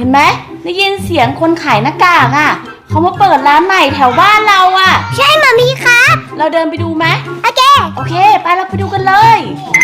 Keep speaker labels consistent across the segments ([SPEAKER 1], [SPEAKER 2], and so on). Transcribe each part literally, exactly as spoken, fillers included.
[SPEAKER 1] นไหมได้ยินเสียงคนขายหน้ากากอ่ะเขามาเปิดร้านใหม่แถวบ้านเราอ่ะ
[SPEAKER 2] ใช่มามีครับ
[SPEAKER 1] เราเดินไปดูไหม
[SPEAKER 2] โอเค
[SPEAKER 1] โอเคไปเราไปดูกันเลย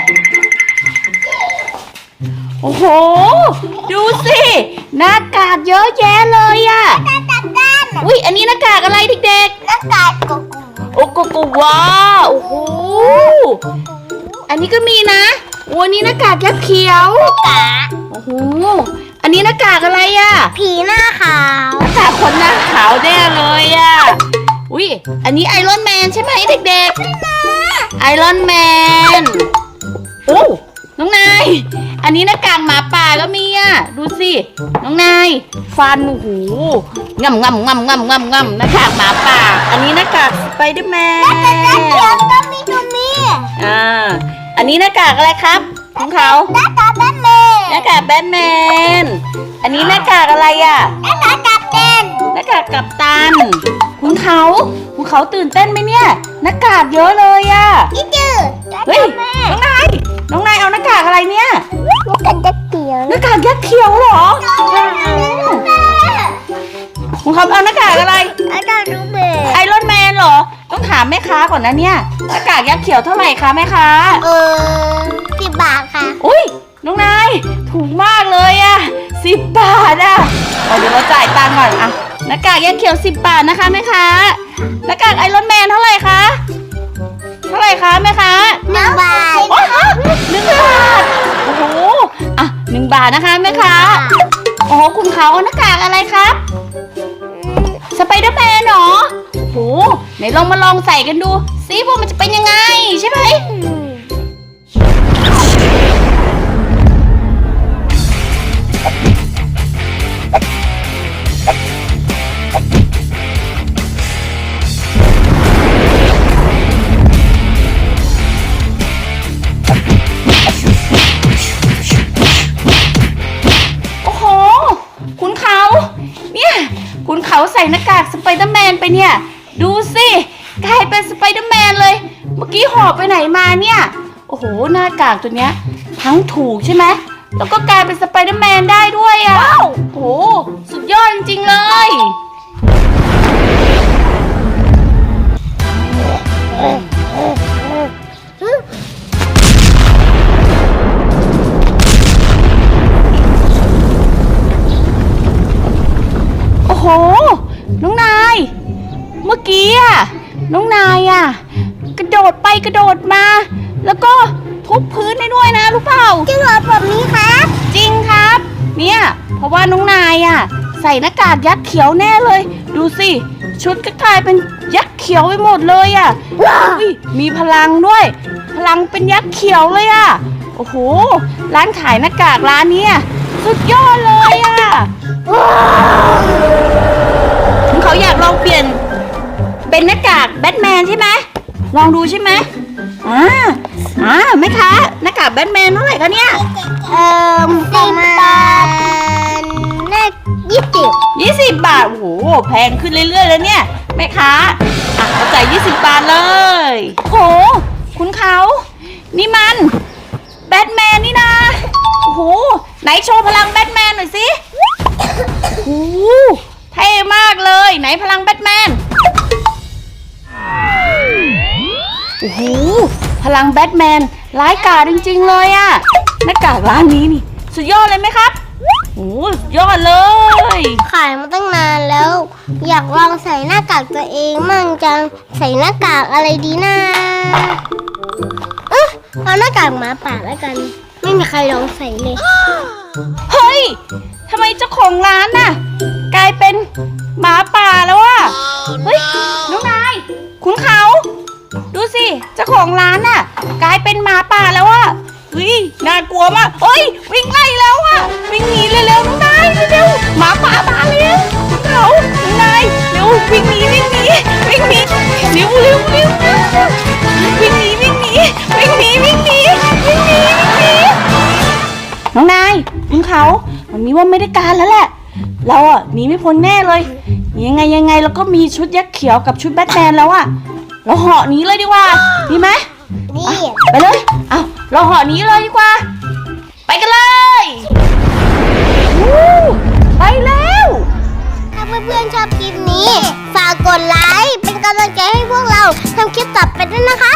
[SPEAKER 1] โอ้โหดูสิหน้ากากเยอะแยะเลยอ่ะอุ้ยอันนี้หน้ากากอะไรเด็ก
[SPEAKER 2] ๆหน้ากากโกโก้
[SPEAKER 1] โอ้โกโกวาโอ้โหอันนี้ก็มีนะโอ้นี่หน้ากากยักษ์เขียว
[SPEAKER 2] กา
[SPEAKER 1] โอ้โหอันนี้หน้ากากอะไรอ่ะ
[SPEAKER 2] ผีหน้าขาว
[SPEAKER 1] หน้ากากคนหน้าขาวแน่เลยอ่ะอุ้ยอันนี้ไอรอนแมนใช่ไหมเด็กๆไอรอนแมนโอ้น้องนายอันนี้หน้ากากหมาป่าก็มีอ่ะดูสิน้องนายฟันโอ้โหง่ำง่ำง่ำง่ำง่ำง่ำหน้ากากหมาป่าอันนี้หน้ากากสไปเดอร์แมน
[SPEAKER 2] หน้ากากเขียวก็มีตัวนี้
[SPEAKER 1] อ่าอันนี้หน้ากากอะไรครับของเขา
[SPEAKER 2] หน้ากากแบทแมน
[SPEAKER 1] หน้ากากแบทแมนอันนี้หน้ากากอะไรอ่ะ
[SPEAKER 2] หน้ากากกัปตัน
[SPEAKER 1] หน้ากากกัปตันคุณเขาคุณเขาตื่นเต้นไหมเนี่ยหน้ากากเยอะเลยอ่ะ
[SPEAKER 2] นี่จืด
[SPEAKER 1] เฮ้ยน้องนายน้องนายเอาหน้ากากอะไรเนี่ย
[SPEAKER 2] หน้ากากยักษ์เขียว
[SPEAKER 1] หน้ากากยักษ์เขียวเหรอคุณเขาเอาหน้ากากอะไร
[SPEAKER 2] หน้ากากรูเบร์
[SPEAKER 1] ไอรอนแมนเหรอต้องถามแม่ค้าก่อนนะเนี่ยหน้ากากยักษ์เขียวเท่าไหร่คะแม่ค้า
[SPEAKER 2] เออสิบบาทค่ะ
[SPEAKER 1] อุ้ยน้องนายถูกมากเลยอะสิบบาทอะเดี๋ยวเราจ่ายตังค์ก่อนอะหน้ากากยักษ์เขียวสิบบาทนะคะแม่ค้าหน้ากากไอรอนแมนเท่าไหร่คะเท่าไหร่คะแม่ค้า
[SPEAKER 2] หนึ่งบาท
[SPEAKER 1] โอ้โหหนึ่งบาทโอ้โหอ่ะหนึ่งบาทนะคะแม่ค้าโอ้โหคุณเขาเอาหน้ากากอะไรครับสไปเดอร์แมนเหรอโอ้โหไหนลองมาลองใส่กันดูซิว่ามันจะเป็นยังไงใช่ไหมคุณเขาใส่หน้ากากสไปเดอร์แมนไปเนี่ยดูสิกลายเป็นสไปเดอร์แมนเลยเมื่อกี้หอบไปไหนมาเนี่ยโอ้โหหน้ากากตัวเนี้ยทั้งถูกใช่ไหมแล้วก็กลายเป็นสไปเดอร์แมนได้ด้วยอ่ะว้าวโอ้โหสุดยอดจริงๆเลยโอ้โหน้องนายเมื่อกี้อะน้องนายอะกระโดดไปกระโดดมาแล้วก็ทุบพื้นได้ด้วยนะรู้เปล่า
[SPEAKER 2] จริงเหรอแบบนี้ครับ
[SPEAKER 1] จริงครับเนี่ยเพราะว่าน้องนายอะใส่หน้ากากยักษ์เขียวแน่เลยดูสิชุดก็กลายเป็นยักษ์เขียวไปหมดเลยอะมีพลังด้วยพลังเป็นยักษ์เขียวเลยอะโอ้โหร้านขายหน้ากากร้านนี้สุดยอดเลยอะเขาอยากลองเปลี่ยนเป็นหน้ากากแบทแมนใช่ไหมลองดูใช่ไหมอ่าอ่าไหมคะหน้ากากแบทแมนเท่าไหร่คะเนี่ย
[SPEAKER 2] เอ่อสิบบาทน่ายี่สิบ
[SPEAKER 1] ยี่สิบบาทโอ้โหแพงขึ้นเรื่อยๆแล้วเนี่ยแม่ค้าอ่ะเราจ่ายยี่สิบบาทเลยโหคุณเขานี่มันแบทแมนนี่นะโอ้โหไหนโชว์พลังแบทแมนหน่อยสิโอ้เท่มากเลยไหนพลังแบทแมนโอ้โหพลังแบทแมนร้ายกาจจริงๆเลยอะหน้ากากร้านนี้นี่สุดยอดเลยไหมครับโอ้สุดยอดเลย
[SPEAKER 2] ขายมาตั้งนานแล้วอยากลองใส่หน้ากากตัวเองมั่งจังใส่หน้ากากอะไรดีนะเออเอาหน้ากากหมาป่าแล้วกันไม่มีใครลองใส่เลย
[SPEAKER 1] เฮ้ยทำไมเจ้าของร้านน่ะกลายเป็นหมาป่าแล้วอ่ะเฮ้ยน้องนายคุณเขาดูสิเจ้าของร้านน่ะกลายเป็นหมาป่าแล้วอ่ะเฮ้ยน่ากลัวมากเฮ้ยวิ่งไล่แล้วอ่ะวิ่งหนีเร็วๆน้องนายเร็วๆหมาป่ามาแล้วคุณเขาน้องนายเร็ววิ่งหนีวิ่งหนีวิ่งหนีเร็วเร็วเร็ววิ่งหนีวิ่งหนีวิ่งหนีวิ่งหนีวิ่งหนีวิ่งหนีน้องนายคุณเขาวันนี้ว่าไม่ได้การแล้วแหละเราอ่ะหนีไม่พ้นแน่เลยยังไงยังไงเราก็มีชุดยักษ์เขียวกับชุดแบทแมนแล้วอ่ะเราเหาะหนีเลยดีกว่าดีไหม
[SPEAKER 2] นี่
[SPEAKER 1] ไปเลยเอาเราเหาะหนีเลยดีกว่าไปกันเลยไปแล้ว
[SPEAKER 2] ถ้าเพื่อนๆชอบคลิปนี้ ฝากกดไลค์เป็นกำลังใจให้พวกเราทำคลิปต่อไปด้วยนะคะ